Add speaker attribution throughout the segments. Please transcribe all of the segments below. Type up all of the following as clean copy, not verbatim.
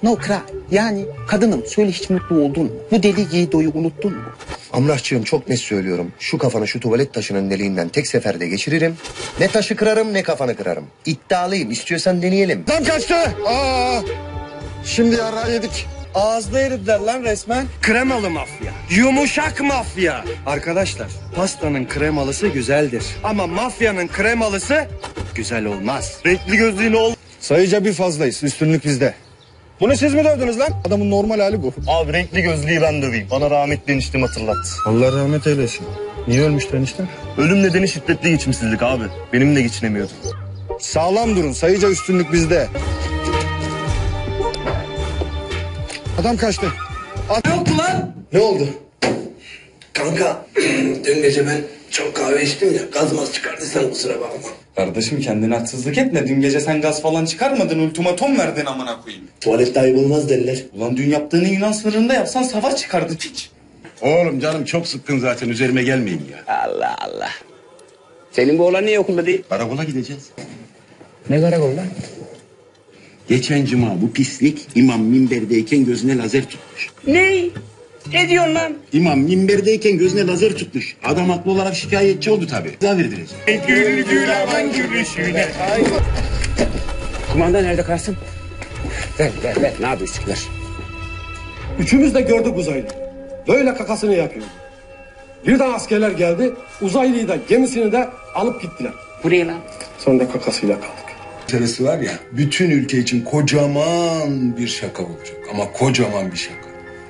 Speaker 1: No cry. Yani kadınım söyle hiç mutlu oldun mu? Bu deli Yiğido'yu unuttun mu?
Speaker 2: Amrahçığım çok net söylüyorum. Şu kafanı şu tuvalet taşının deliğinden tek seferde geçiririm. Ne taşı kırarım ne kafanı kırarım. İddialıyım. İstiyorsan deneyelim.
Speaker 3: Lan kaçtı. Şimdi yara yedik.
Speaker 4: Ağızda eridiler lan resmen. Kremalı mafya. Yumuşak mafya. Arkadaşlar pastanın kremalısı güzeldir. Ama mafyanın kremalısı güzel olmaz. Renkli gözlüğün ol.
Speaker 3: Sayıca bir fazlayız. Üstünlük bizde.
Speaker 4: Bunu siz mi dövdünüz lan?
Speaker 3: Adamın normal hali bu.
Speaker 4: Abi renkli gözlüğü ben döveyim. Bana rahmetli eniştem hatırlattı.
Speaker 3: Allah rahmet eylesin. Niye ölmüştü enişte?
Speaker 4: Ölüm nedeni şiddetli geçimsizlik abi. Benimle geçinemiyordum.
Speaker 3: Sağlam durun. Sayıca üstünlük bizde. Adam kaçtı.
Speaker 5: Ne oldu lan?
Speaker 2: Ne oldu?
Speaker 5: Kanka dün gece ben çok kahve içtim ya gazmaz çıkardıysan kusura bakma.
Speaker 6: Kardeşim kendine haksızlık etme. Dün gece sen gaz falan çıkarmadın. Ultimatom verdin amına koyayım.
Speaker 5: Tuvalette ayıp olmaz derler.
Speaker 6: Ulan dün yaptığını Yunan sınırında yapsan savaş çıkardı piç.
Speaker 7: Oğlum canım çok sıkkın zaten üzerime gelmeyin ya.
Speaker 5: Allah Allah. Senin bu oğlan niye okulda değil?
Speaker 7: Karakola gideceğiz.
Speaker 5: Ne karakol lan?
Speaker 7: Geçen cuma bu pislik imam minberdeyken gözüne lazer tutmuş.
Speaker 5: Ne? Ne diyorsun lan?
Speaker 7: İmam minberdeyken gözüne lazer tutmuş. Adam haklı olarak şikayetçi oldu tabii. Ceza verdirecek.
Speaker 5: Kumanda nerede Kasım? Ver. Ne yapıyorsun? Ver.
Speaker 8: Üçümüz de gördük uzaylıyı. Böyle kakasını yapıyor. Birden askerler geldi. Uzaylıyı da gemisini de alıp gittiler.
Speaker 5: Buraya lan.
Speaker 8: Sonra da kakasıyla kaldık.
Speaker 9: Meselesi var ya, bütün ülke için kocaman bir şaka olacak. Ama kocaman bir şaka.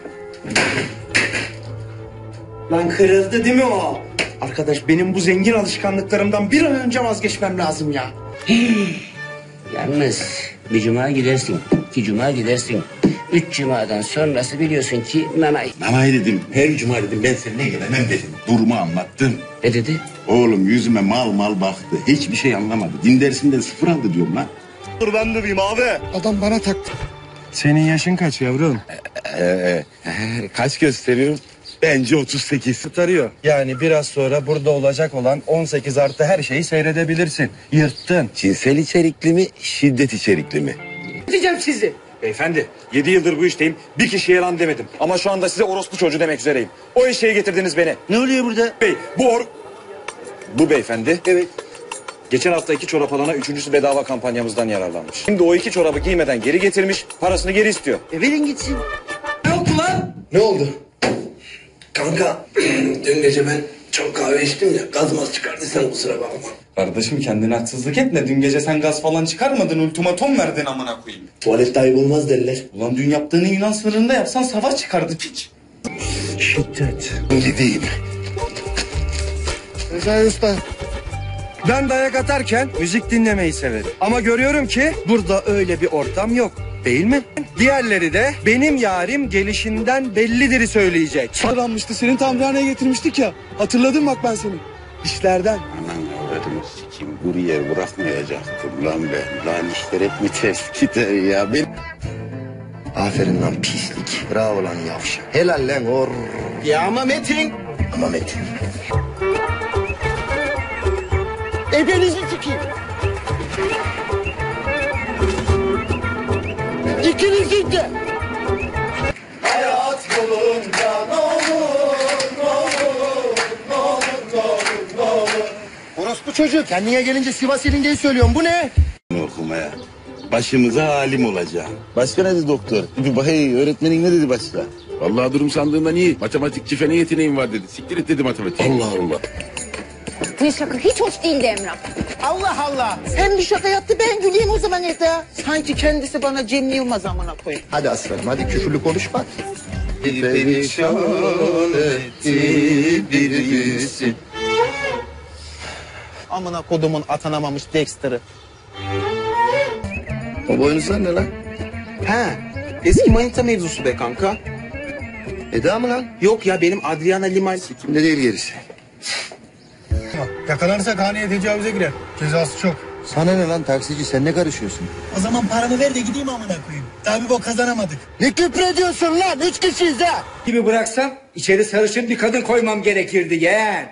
Speaker 4: Lan kırıldı değil mi o? Arkadaş benim bu zengin alışkanlıklarımdan bir an önce vazgeçmem lazım ya.
Speaker 5: Yalnız bir cuma gidersin, 2 cuma gidersin. 3 cumadan sonrası biliyorsun ki nanay.
Speaker 7: Nanay dedim. Her cuma dedim ben seninle gelemem dedim. Durumu anlattım.
Speaker 5: Ne dedi?
Speaker 7: Oğlum yüzüme mal baktı. Hiçbir şey anlamadı. Din dersinden 0 aldı diyorum lan.
Speaker 4: Dur ben döveyim abi.
Speaker 3: Adam bana taktı.
Speaker 4: Senin yaşın kaç yavrum?
Speaker 7: Kaç gösteriyor? Bence 38.
Speaker 4: Tutarıyor. Yani biraz sonra burada olacak olan 18 artı her şeyi seyredebilirsin. Yırttın.
Speaker 7: Cinsel içerikli mi, şiddet içerikli mi?
Speaker 5: Diyeceğim sizi.
Speaker 6: Beyefendi 7 yıldır bu işteyim. Bir kişiye lan demedim. Ama şu anda size orospu çocuğu demek üzereyim. O eşeğe getirdiniz beni.
Speaker 4: Ne oluyor burada?
Speaker 6: Bey bu beyefendi.
Speaker 4: Evet.
Speaker 6: Geçen hafta 2 çorap alana 3.'sü bedava kampanyamızdan yararlanmış. Şimdi o 2 çorabı giymeden geri getirmiş, parasını geri istiyor.
Speaker 4: Verin gitsin.
Speaker 5: Ne oldu lan?
Speaker 2: Ne oldu?
Speaker 5: Kanka dün gece ben çok kahve içtim ya gazmaz çıkardıysan kusura bakma.
Speaker 6: Kardeşim kendine haksızlık etme. Dün gece sen gaz falan çıkarmadın. Ultimatom verdin amına koyayım.
Speaker 5: Tuvalette ayıp olmaz derler.
Speaker 6: Ulan dün yaptığını Yunan sınırında yapsan savaş çıkardı piç.
Speaker 4: Şiddet.
Speaker 7: Gideyim.
Speaker 3: Recai Usta.
Speaker 4: Ben dayak atarken müzik dinlemeyi severim. Ama görüyorum ki burada öyle bir ortam yok. Değil mi? Diğerleri de benim yarim gelişinden bellidir'i söyleyecek.
Speaker 8: Sıranmıştı. Senin tamirhaneye getirmiştik ya. Hatırladım bak ben seni.
Speaker 4: İşlerden.
Speaker 7: Anan avradını sikeyim. Buraya bırakmayacaktım lan ben. Lan işler hep mi ters gider ya? Ben...
Speaker 2: Aferin lan pislik. Bravo lan yavşak. Helal lan or.
Speaker 4: Ya ama Metin.
Speaker 2: Ama Metin.
Speaker 1: Ebenizi sikeyim. İkinizin de.
Speaker 2: Orospu çocuğu kendine gelince Sivas ilingeyi söylüyorum. Bu ne?
Speaker 7: Okumaya. Başımıza alim olacağım. Başka ne dedi doktor? Hey, öğretmenin ne dedi başka?
Speaker 9: Vallahi durum sandığından iyi. Matematikçi fene yeteneğim var dedi. Siktir et dedi matematik.
Speaker 7: Allah Allah.
Speaker 10: Bu şaka hiç hoş değildi Emrah.
Speaker 1: Allah Allah. Sen bir şaka yaptı ben güleyim o zaman Eda. Sanki kendisi bana Cem Yılmaz amına koyayım.
Speaker 2: Hadi aslanım hadi küfürlü konuşma.
Speaker 7: Perişan etti bir yüzü.
Speaker 1: Amına kodumun atanamamış Dexter'ı.
Speaker 2: O boynuzlar ne lan?
Speaker 4: He. Eski manita mevzusu be kanka.
Speaker 2: Eda mı lan?
Speaker 4: Yok ya benim Adriana Limal.
Speaker 2: Kimde değil gerisi.
Speaker 3: Yakalanırsak haneye tecavüze girer. Cezası çok.
Speaker 2: Sana ne lan taksici sen ne karışıyorsun?
Speaker 3: O zaman paramı ver de gideyim amına koyayım. Daha bir bok kazanamadık.
Speaker 2: Ne küfrediyorsun lan? 3 kişiyiz ha.
Speaker 5: Gibi bıraksam içeri sarışın bir kadın koymam gerekirdi yeğen.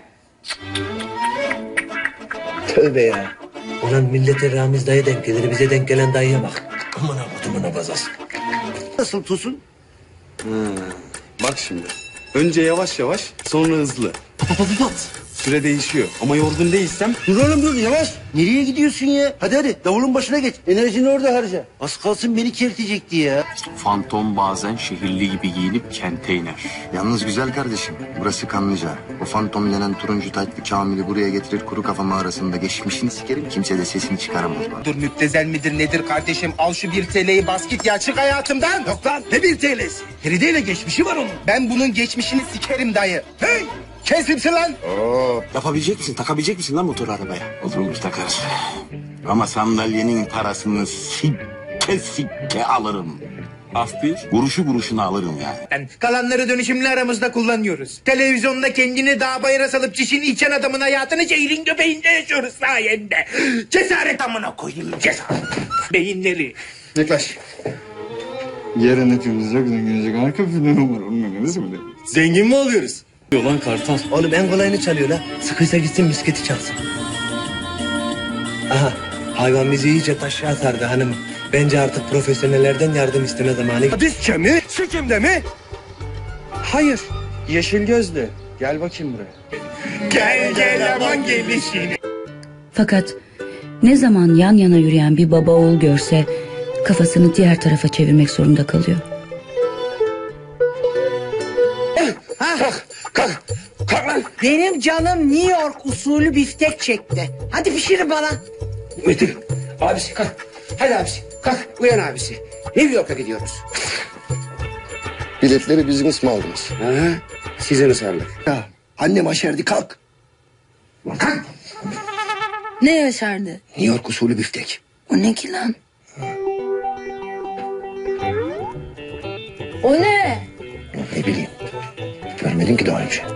Speaker 5: Tövbe ya. Ulan millete Ramiz dayı denk gelir bize denk gelen dayıya bak. Aman akutumuna bazasın.
Speaker 3: Nasıl Tosun?
Speaker 7: Bak şimdi. Önce yavaş yavaş, sonra hızlı. Süre değişiyor. Ama yorgun değilsem
Speaker 3: Dur oğlum dur yavaş. Nereye gidiyorsun ya? Hadi davulun başına geç. Enerjini orada harca. Az kalsın beni kertecekti ya.
Speaker 11: Fantom bazen şehirli gibi giyinip kente iner.
Speaker 2: Yalnız güzel kardeşim, burası Kanlıca. O fantom denen turuncu taytlı Kamil'i buraya getirir kuru kafa mağarasında geçmişini sikerim. Kimse de sesini çıkaramaz bana.
Speaker 1: Dur müptezel midir nedir kardeşim? Al şu 1 TL'yi bas git ya çık hayatımdan.
Speaker 3: Yok lan ne 1 TL'si? Feride'yle geçmişi var onun.
Speaker 1: Ben bunun geçmişini sikerim dayı. Hey! Kesimsin lan.
Speaker 11: Yapabilecek misin? Takabilecek misin lan motoru arabaya? Oturmuş takarız. Ama sandalyenin parasını sikke alırım. Af bir, kuruşu kuruşuna alırım yani.
Speaker 1: Kalanları dönüşümlü aramızda kullanıyoruz. Televizyonda kendini dağ bayıra salıp çişini içen adamın hayatını şehrin göbeğinde yaşıyoruz sayende. Cesaret amına koyayım cesaret. Beyinleri.
Speaker 9: Yaklaş. Yarın hepimiz yok günümüzde arka planı var. Onun önemlisi mi?
Speaker 4: Zengin mi oluyoruz?
Speaker 5: Yolan kartal. Oğlum en kolayını çalıyor la. Sıkıysa gitsin misketi çalsın. Aha hayvan bizi iyice taşa sardı hanım. Bence artık profesyonellerden yardım isteme zamanı.
Speaker 4: Dizçe mi? Sikimde mi? Hayır. Yeşil gözlü. Gel bakayım buraya.
Speaker 1: Gel aman gelişini.
Speaker 12: Fakat ne zaman yan yana yürüyen bir baba oğul görse kafasını diğer tarafa çevirmek zorunda kalıyor.
Speaker 1: Kalk lan.
Speaker 13: Benim canım New York usulü biftek çekti. Hadi pişirin bana.
Speaker 1: Metin abisi kalk. Hadi abisi kalk uyan abisi. New York'a gidiyoruz.
Speaker 2: Biletleri bizim mi aldınız?
Speaker 1: Size ısmarladık.
Speaker 3: Ya annem aşerdi kalk.
Speaker 1: Kalk.
Speaker 12: Ne yaşardı?
Speaker 3: New York usulü biftek.
Speaker 12: O ne ki lan?
Speaker 10: O ne?
Speaker 3: Ne bileyim. Görmedim ki daha önce.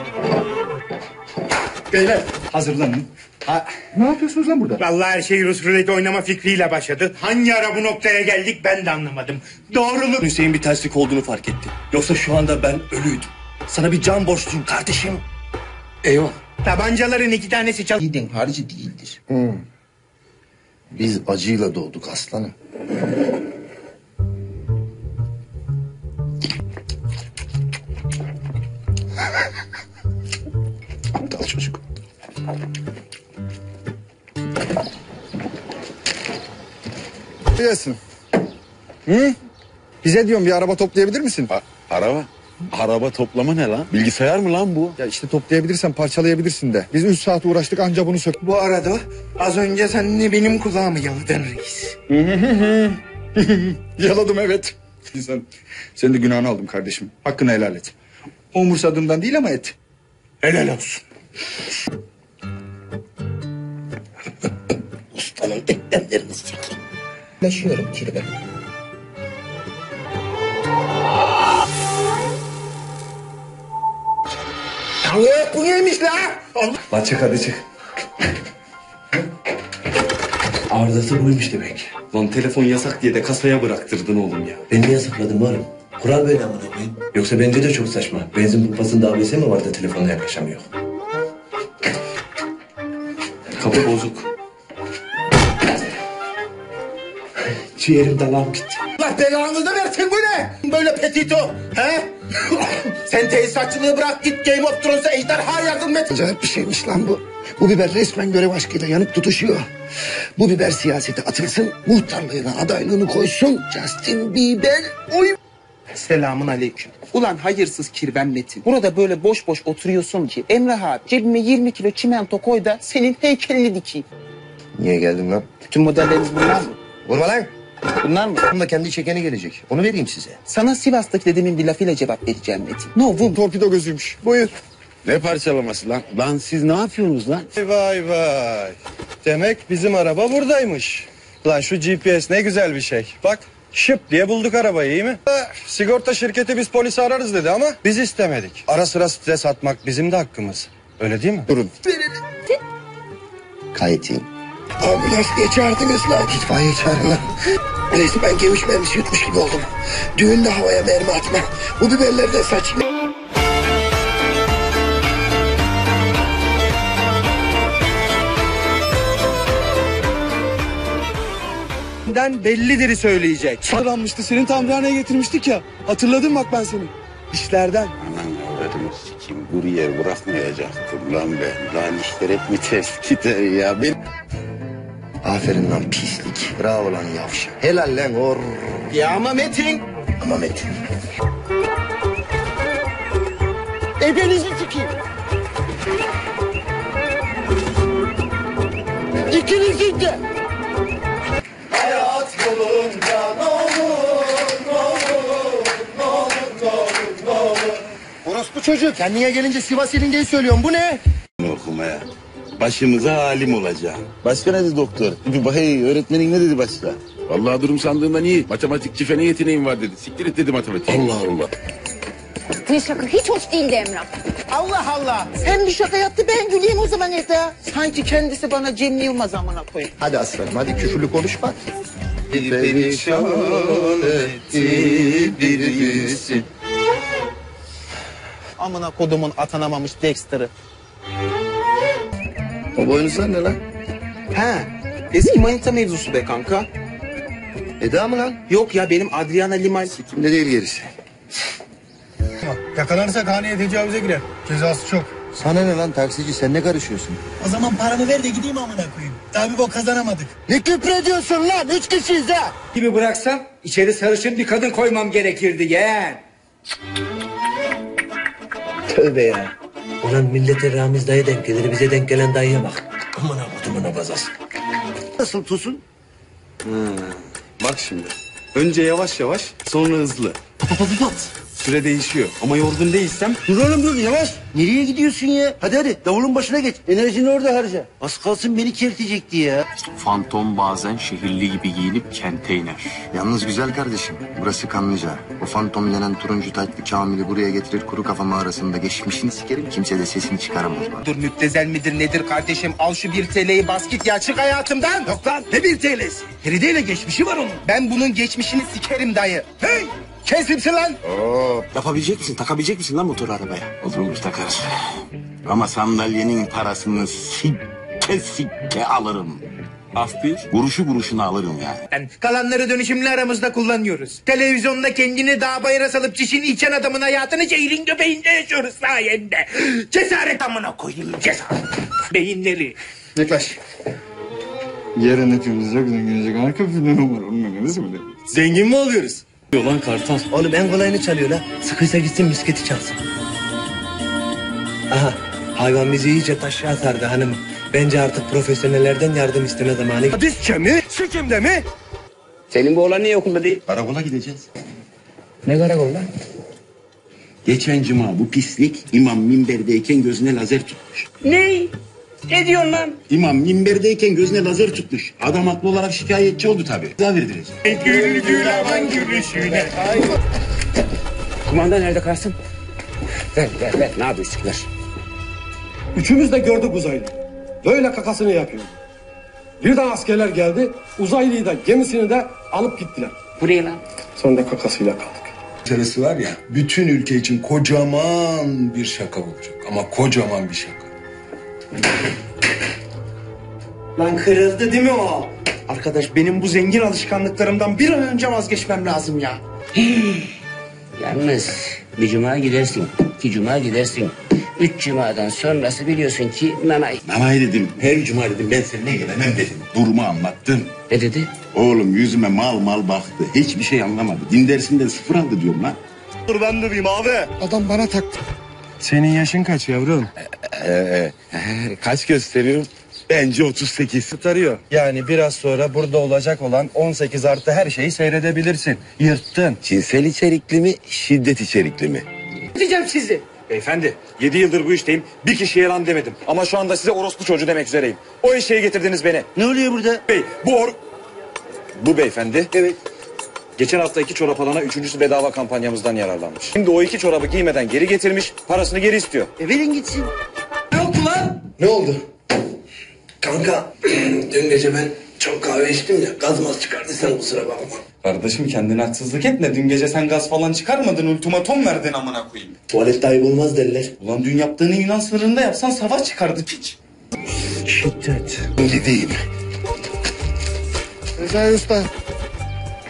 Speaker 9: Beyler hazırlanın. Ne yapıyorsunuz lan burada?
Speaker 1: Vallahi her şey Rus ruleti oynama fikriyle başladı. Hangi ara bu noktaya geldik ben de anlamadım. Doğruluk.
Speaker 4: Hüseyin bir terslik olduğunu fark etti. Yoksa şu anda ben ölüydüm. Sana bir can borçluyum kardeşim.
Speaker 1: Eyvah. Tabancaların 2 tanesi çal... Yiğidin harcı değildir.
Speaker 3: Biz acıyla doğduk aslanım. Aptal çocuk.
Speaker 9: Biliyorsun. Hı? Bize diyorum bir araba toplayabilir misin?
Speaker 7: araba. Araba toplama ne lan? Bilgisayar mı lan bu?
Speaker 9: Ya işte toplayabilirsen parçalayabilirsin de. Biz 3 saat uğraştık anca bunu sök.
Speaker 1: Bu arada az önce sen de benim kulağımı yaladın reis.
Speaker 9: Yaladım evet. Senin de günahını aldım kardeşim. Hakkını helal et. Umursadığımdan değil ama et.
Speaker 1: Helal olsun.
Speaker 3: Ustanın eklemlerini sikeyim. Yaşıyorum kirve.
Speaker 1: Allah bu neymiş la? Allah.
Speaker 5: Lan çık hadi çık. Arızası buymuş demek.
Speaker 4: Lan telefon yasak diye de kasaya bıraktırdın oğlum ya.
Speaker 5: Ben niye sakladım oğlum? Kural böyle amına koyayım. Yoksa bence de çok saçma. Benzin pompasında ABS mi var da telefonla yaklaşamıyor?
Speaker 4: Kapı bozuk.
Speaker 5: Ciğerim dalağım gitti.
Speaker 1: Allah belanı da versin bu ne? Böyle petito. He? Sen tesisatçılığı bırak git Game of Thrones'a ejderha yardım et.
Speaker 3: Acayip bir şeymiş lan bu. Bu biber resmen görev aşkıyla yanıp tutuşuyor. Bu biber siyasete atılsın, muhtarlığına adaylığını koysun. Justin Bieber. Oy.
Speaker 1: Selamun aleyküm. Ulan hayırsız kirven Metin. Burada böyle boş boş oturuyorsun ki Emrah abi cebime 20 kilo çimento koy da senin heykelini dikeyim.
Speaker 2: Niye geldin lan?
Speaker 1: Bütün modelleriniz bunlar mı?
Speaker 2: Vurma lan.
Speaker 1: Bunlar mı?
Speaker 2: Bunun da kendi çekeni gelecek. Onu vereyim size.
Speaker 1: Sana Sivas'taki dedemin bir lafıyla cevap vereceğim Metin. No vum.
Speaker 9: Torpido gözüymüş. Buyur.
Speaker 7: Ne parçalaması lan? Lan siz ne yapıyorsunuz lan?
Speaker 4: Vay vay. Demek bizim araba buradaymış. Lan şu GPS ne güzel bir şey. Bak şıp diye bulduk arabayı iyi mi? Sigorta şirketi biz polisi ararız dedi ama biz istemedik. Ara sıra stres atmak bizim de hakkımız. Öyle değil mi?
Speaker 9: Durun.
Speaker 2: Gayet iyi.
Speaker 3: Ambulans diye çağırdınız lan. İtfaiye çağırın lan. Neyse ben geviş mermisi yutmuş gibi oldum. Düğünde havaya mermi atma. Bu biberleri de saçma.
Speaker 4: Sesinden bellidir söyleyecek.
Speaker 7: Sıranmıştı, senin tamirhaneye getirmiştik ya. Hatırladın bak ben seni. İşlerden.
Speaker 11: Anan avradını sikeyim. Buraya bırakmayacaktım lan ben. Lan işler hep mi ters gider ya?
Speaker 2: Aferin lan pislik. Bravo lan yavşak. Helal lan or.
Speaker 3: Ya ama Metin.
Speaker 2: Ama Metin.
Speaker 3: Ebenizi sikeyim. İkinizin de.
Speaker 2: Hayat yolunda ne olur, ne olur, ne olur, ne olur, ne olur. Orospu çocuk. Kendine gelince Sivas ilingeyi söylüyorum. Bu ne?
Speaker 11: Okumaya. Başımıza alim olacağım. Başka ne dedi doktor? Hey, öğretmenin ne dedi başka?
Speaker 14: Vallahi durum sandığından iyi. Matematikçi fene yeteneğim var dedi. Siktir et dedi matematik.
Speaker 11: Allah Allah.
Speaker 10: Yaptığın şaka hiç hoş değildi Emrah.
Speaker 13: Allah Allah. Sen bir şaka yaptı ben güleyim o zaman Eda. Sanki kendisi bana Cem Yılmaz amına koyayım.
Speaker 2: Hadi aslanım hadi küfürlü konuşma.
Speaker 3: Perişan etti bir yüzün.
Speaker 13: Amına kodumun atanamamış Dexter'ı.
Speaker 2: O boynuzlar ne lan?
Speaker 15: He, eski manita mevzusu be kanka.
Speaker 2: Eda mı lan?
Speaker 15: Yok ya benim Adriana Limal.
Speaker 2: Kimde değil gerisi.
Speaker 1: Yakalanırsak haneye tecavüze girer. Cezası çok.
Speaker 2: Sana ne lan taksici sen ne karışıyorsun?
Speaker 1: O zaman paramı ver de gideyim amına koyayım. Daha bir bok kazanamadık.
Speaker 3: Ne küfrediyorsun lan? 3 kişiyiz ha.
Speaker 1: Gibi bıraksam içeri sarışın bir kadın koymam gerekirdi yeğen.
Speaker 5: Tövbe ya. Ulan millete Ramiz dayı denk gelir, bize denk gelen dayıya bak. Aman akutumuna bazas.
Speaker 3: Nasıl Tosun?
Speaker 7: Bak şimdi. Önce yavaş yavaş, sonra hızlı. Pat. Süre değişiyor ama yorgun değilsem...
Speaker 3: Dur oğlum dur yavaş. Nereye gidiyorsun ya? Hadi davulun başına geç. Enerjini orada harca. Az kalsın beni kertecekti ya.
Speaker 11: Fantom bazen şehirli gibi giyinip kente iner. Yalnız güzel kardeşim, burası Kanlıca. O fantom denen turuncu taytlı Kamil'i buraya getirir kuru kafa mağarasında geçmişini sikerim. Kimse de sesini çıkaramaz bana.
Speaker 15: Dur müptezel midir nedir kardeşim? Al şu 1 TL'yi bas git ya çık hayatımdan.
Speaker 3: Yok lan ne 1 TL'si? Feride'yle geçmişi var onun.
Speaker 15: Ben bunun geçmişini sikerim dayı. Hey! Kesimsin lan.
Speaker 11: Yapabilecek misin, takabilecek misin lan motor arabaya? Olur takarız. Ama sandalyenin parasını sikke alırım. Af bir, kuruşuna alırım yani.
Speaker 1: Kalanları dönüşümlü aramızda kullanıyoruz. Televizyonda kendini dağ bayıra salıp çişini içen adamın hayatını şehrin göbeğinde yaşıyoruz sayende. Cesaret amına koyayım cesaret. Beyinleri.
Speaker 2: Yaklaş.
Speaker 7: Yarın hepimiz çok zenginecek. Harika bir film var. Onun ne mi?
Speaker 4: Zengin mi oluyoruz?
Speaker 7: Yolan kartal.
Speaker 5: Oğlum en kolayını çalıyor la. Sıkıysa gitsin misketi çalsın. Aha, hayvan bizi iyice taşa sardı hanım. Bence artık profesyonellerden yardım isteme zamanı.
Speaker 4: Hadisçe mi? Sikimde mi?
Speaker 15: Senin bu oğlan niye okulda değil?
Speaker 11: Karakola gideceğiz.
Speaker 15: Ne karakol lan?
Speaker 11: Geçen cuma bu pislik imam minberdeyken gözüne lazer tutmuş.
Speaker 15: Ne? Ne diyorsun lan?
Speaker 11: İmam minberdeyken gözüne lazer tutmuş. Adam haklı olarak şikayetçi oldu tabii. Ceza verdirecek.
Speaker 1: Gül aman gülüşüne.
Speaker 15: Kumanda nerede kalsın? Ver. Ne yapıyorsunlar?
Speaker 8: Üçümüz de gördük uzaylıyı. Böyle kakasını yapıyor. Birden askerler geldi. Uzaylıyı da gemisini de alıp gittiler.
Speaker 15: Buraya lan.
Speaker 8: Sonra da kakasıyla kaldık.
Speaker 9: Meselesi var ya, bütün ülke için kocaman bir şaka olacak. Ama kocaman bir şaka.
Speaker 15: Lan kırıldı değil mi o? Arkadaş benim bu zengin alışkanlıklarımdan bir an önce vazgeçmem lazım ya.
Speaker 16: Yalnız bir cuma gidersin, 2 cuma gidersin. 3 cumadan sonrası biliyorsun ki nanay.
Speaker 11: Nanay dedim, her cuma dedim ben seninle gelemem dedim. Durumu anlattım.
Speaker 16: Ne dedi?
Speaker 11: Oğlum yüzüme mal baktı. Hiçbir şey anlamadı. Din dersinden 0 aldı diyorum lan.
Speaker 4: Dur ben durayım abi.
Speaker 3: Adam bana taktı.
Speaker 4: Senin yaşın kaç yavrum?
Speaker 11: Kaç gösteriyorum? Bence 38.
Speaker 4: Tutarıyor. Yani biraz sonra burada olacak olan 18 artı her şeyi seyredebilirsin. Yırttın.
Speaker 11: Cinsel içerikli mi, şiddet içerikli mi?
Speaker 1: Diyeceğim sizi.
Speaker 6: Beyefendi 7 yıldır bu işteyim. Bir kişiye lan demedim. Ama şu anda size orospu çocuğu demek üzereyim. O eşeğe getirdiniz beni.
Speaker 3: Ne oluyor burada?
Speaker 6: Bey bu beyefendi.
Speaker 3: Evet.
Speaker 6: Geçen hafta 2 çorap alana 3.'sü bedava kampanyamızdan yararlanmış. Şimdi o 2 çorabı giymeden geri getirmiş, parasını geri istiyor.
Speaker 3: Verin gitsin.
Speaker 5: Ne oldu? Kanka, dün gece ben çok kahve içtim ya, gazmaz çıkardıysan kusura bakma.
Speaker 7: Kardeşim kendine haksızlık etme. Dün gece sen gaz falan çıkarmadın. Ultimatom verdin amına koyayım.
Speaker 5: Tuvalette ayıp olmaz derler.
Speaker 7: Ulan dün yaptığını Yunan sınırında yapsan savaş çıkardı piç.
Speaker 5: Şiddet.
Speaker 2: Gideyim.
Speaker 3: Recai Usta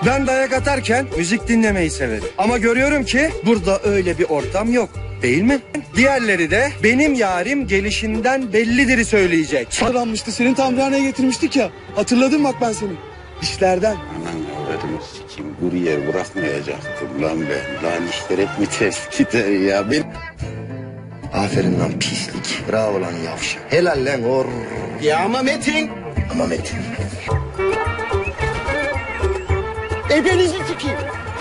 Speaker 4: Ben dayak atarken müzik dinlemeyi severim. Ama görüyorum ki burada öyle bir ortam yok. Değil mi? Diğerleri de benim yarim gelişinden bellidir'i söyleyecek.
Speaker 7: Sıranmıştı, senin tamirhaneye getirmiştik ya. Hatırladım bak ben seni. İşlerden.
Speaker 11: Anan avradını sikim, buraya bırakmayacaktım lan ben. Lan işler hep mi ters gider ya?
Speaker 2: Aferin lan pislik. Bravo lan yavşak. Helal lan or.
Speaker 13: Ya ama Metin.
Speaker 2: Ama Metin.
Speaker 13: Ebenizi sikeyim.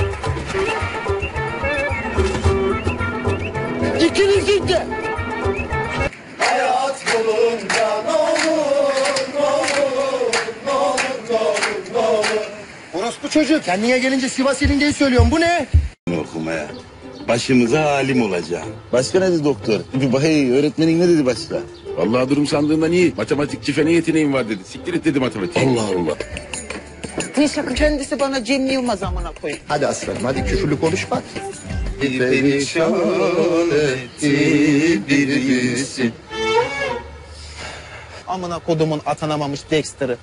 Speaker 13: İkinizin de.
Speaker 3: Hayat yolunda ne olur, ne olur, ne olur, ne olur, ne olur.
Speaker 2: Orospu çocuk. Kendine gelince Sivas ilingeyi söylüyorum. Bu ne?
Speaker 11: Okumaya. Başımıza alim olacağım. Başka ne dedi doktor? Hey, öğretmenin ne dedi başka?
Speaker 14: Vallahi durum sandığından iyi. Matematikçi fen yeteneğim var dedi. Siktir et dedi matematik.
Speaker 11: Allah Allah.
Speaker 13: Ne şaka kendisi bana Cem Yılmaz amına koyayım.
Speaker 2: Hadi aslanım hadi küfürlü konuşma.
Speaker 3: Perişan etti bir yüzün.
Speaker 13: Amına kodumun atanamamış Dexter'ı.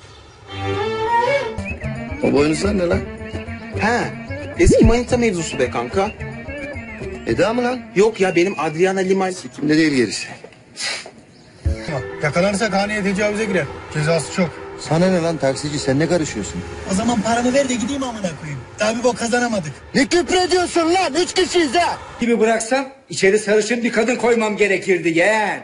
Speaker 2: O boynuzlar ne lan?
Speaker 13: He. Eski manita mevzusu be kanka.
Speaker 2: Eda mı lan?
Speaker 13: Yok ya benim Adriana Limal.
Speaker 2: Kimde değil gerisi.
Speaker 15: Yakalanırsak haneye tecavüze girer. Cezası çok.
Speaker 2: Sana ne lan taksici, sen ne karışıyorsun?
Speaker 15: O zaman paramı ver de gideyim amına koyayım. Daha bir bok kazanamadık.
Speaker 2: Ne küfrediyorsun lan? 3 kişiyiz ha.
Speaker 1: Gibi bıraksam içeri sarışın bir kadın koymam gerekirdi yeğen.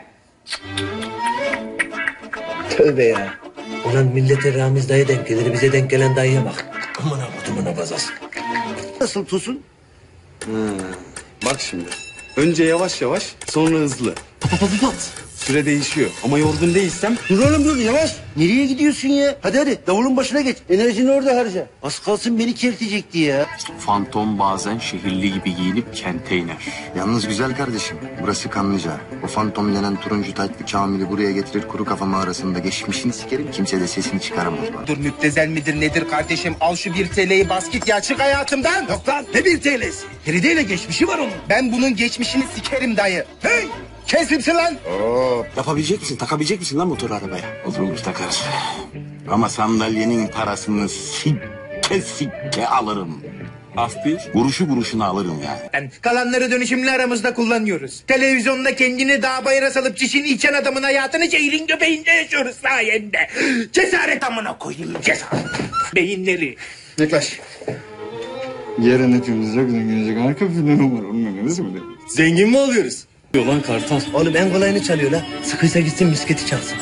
Speaker 5: Tövbe ya. Ulan millete Ramiz dayı denk gelir, bize denk gelen dayıya bak. Aman abudumuna bazas.
Speaker 2: Nasıl Tosun?
Speaker 7: Bak şimdi. Önce yavaş yavaş, sonra hızlı. Pat. Süre değişiyor. Ama yorgun değilsem...
Speaker 3: Dur oğlum dur yavaş. Nereye gidiyorsun ya? Hadi davulun başına geç. Enerjini orada harca. Az kalsın beni kertecekti ya.
Speaker 17: Fantom bazen şehirli gibi giyinip kente iner.
Speaker 2: Yalnız güzel kardeşim, burası Kanlıca. O fantom denen turuncu taytlı Kamil'i buraya getirir kuru kafa mağarasında geçmişini sikerim. Kimse de sesini çıkaramaz bana.
Speaker 1: Dur müptezel midir nedir kardeşim al şu 1 TL'yi bas git ya çık hayatımdan.
Speaker 3: Yok lan ne 1 TL'si? Feride'yle geçmişi var onun.
Speaker 1: Ben bunun geçmişini sikerim dayı. Hey! Kesimsin lan.
Speaker 11: Yapabilecek misin? Takabilecek misin lan motor arabaya?
Speaker 17: Oturmuş takarız. Ama sandalyenin parasını sikke alırım. Af bir, kuruşu kuruşuna alırım yani.
Speaker 1: Kalanları dönüşümlü aramızda kullanıyoruz. Televizyonda kendini dağ bayıra salıp çişini içen adamın hayatını şehrin göbeğinde yaşıyoruz sayende. Cesaret amına koyayım cesaret. Beyinleri.
Speaker 2: Yaklaş.
Speaker 7: Yarın hepimiz çok zenginecek. Harika bir film var. Onun nasıl mı?
Speaker 5: Zengin mi oluyoruz?
Speaker 7: Yolan kartal.
Speaker 5: Oğlum en kolayını çalıyor la. Sıkıysa gitsin misketi çalsın.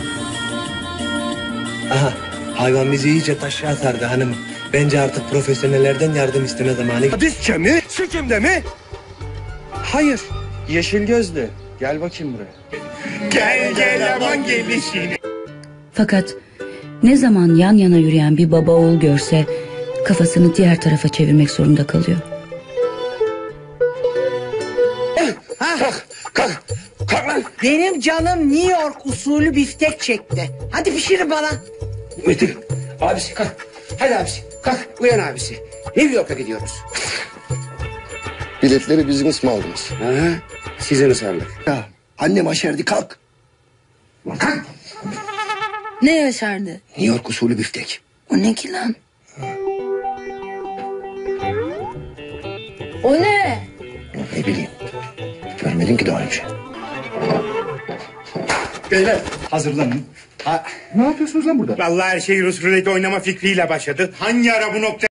Speaker 5: Aha hayvan bizi iyice taşa sardı hanım. Bence artık profesyonellerden yardım isteme zamanı.
Speaker 4: Dizçe mi? Sikimde mi? Hayır. Yeşil gözlü. Gel bakayım buraya.
Speaker 1: Gel aman gelişini.
Speaker 12: Fakat ne zaman yan yana yürüyen bir baba oğul görse kafasını diğer tarafa çevirmek zorunda kalıyor.
Speaker 13: Kalk lan. Benim canım New York usulü biftek çekti. Hadi pişirin bana.
Speaker 5: Metin abisi kalk. Hadi abisi kalk uyan abisi. New York'a gidiyoruz.
Speaker 2: Biletleri business mı aldınız?
Speaker 5: Sizin ısmarlık.
Speaker 3: Ya annem aşerdi kalk.
Speaker 5: Kalk.
Speaker 12: Ne yaşardı?
Speaker 3: New York usulü biftek.
Speaker 12: O ne ki lan?
Speaker 10: O ne?
Speaker 3: Ne bileyim. Görmedim ki daha önce.
Speaker 15: Beyler hazırlanın. Ne yapıyorsunuz lan burada?
Speaker 1: Vallahi her şey Rus ruleti oynama fikriyle başladı. Hangi ara bu nokta